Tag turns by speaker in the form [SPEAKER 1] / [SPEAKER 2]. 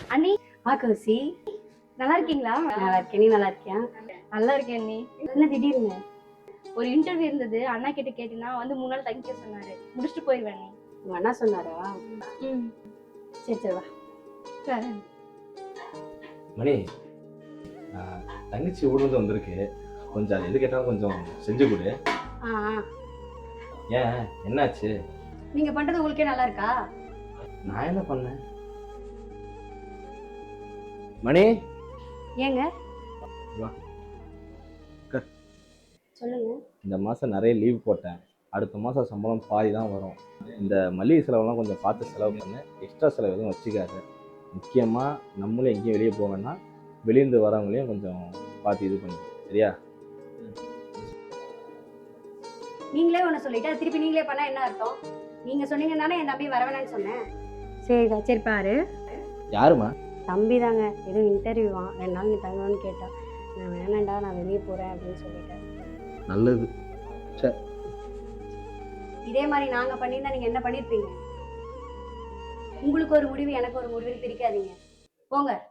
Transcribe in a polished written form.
[SPEAKER 1] அண்ணி.
[SPEAKER 2] கௌசி,
[SPEAKER 1] நல்லா இருக்கீங்களா?
[SPEAKER 2] நல்லா இருக்கேன். நீ நல்லா இருக்கியா?
[SPEAKER 1] நல்லா இருக்கேன் அண்ணி.
[SPEAKER 2] என்ன திடீர்னு?
[SPEAKER 1] ஒரு இன்டர்வியூ இருந்தது, அண்ணா கிட்ட கேட்டீங்கன்னா வந்து 3 நாள் தங்கிக்க சொன்னாரு. முடிச்சுட்டு போயிடுவேன் அண்ணி.
[SPEAKER 2] உங்க அண்ணா சொன்னாரா? சரி சரி வா.
[SPEAKER 1] சரி.
[SPEAKER 3] மணி, தங்கச்சி ஊர்லேருந்து வந்திருக்கு. கொஞ்சம் அது எது கேட்டாலும் கொஞ்சம் செஞ்சு கொடு. ஏன், என்னாச்சு?
[SPEAKER 2] நீங்க பண்றது உங்களுக்கே நல்லா இருக்கா?
[SPEAKER 3] நான் என்ன பண்ணேன்? மணி,
[SPEAKER 2] ஏங்க
[SPEAKER 3] வா.
[SPEAKER 2] சொல்லுங்க.
[SPEAKER 3] இந்த மாதம் நிறைய லீவ் போட்டேன். அடுத்த மாதம் சம்பளம் பாதி தான் வரும். இந்த மளிகை செலவெல்லாம் கொஞ்சம் பார்த்து செலவு பண்ணு. எக்ஸ்ட்ரா செலவு எதுவும் வச்சுக்காது. முக்கியமாக நம்மளும் எங்கேயும் வெளியே போவேன்னா வெளியிருந்து வரவங்களையும் கொஞ்சம் பார்த்து இது பண்ணி, சரியா?
[SPEAKER 2] நீங்களே ஒன்று சொல்லிட்டு அது திருப்பி நீங்களே பண்ணா என்ன அர்த்தம்? நீங்க சொன்னீங்கன்னானே என் தம்பி வர வேணாம்னு சொன்னேன். சரிக்கா, சரி பாரு.
[SPEAKER 3] யாருமா?
[SPEAKER 2] தம்பி தாங்க. ஏதோ இன்டர்வியூவா, 2 நாள் நீ தங்கணும்னு கேட்டான். நான் வேணாண்டா, நான் வெளியே போறேன் அப்படின்னு சொல்லிட்டேன்.
[SPEAKER 3] நல்லது. சரி,
[SPEAKER 2] இதே மாதிரி நாங்க பண்ணியிருந்தா நீங்க என்ன பண்ணிருப்பீங்க? உங்களுக்கு ஒரு முடிவு எனக்கு ஒரு முடிவுன்னு பிரிக்காதீங்க. போங்க.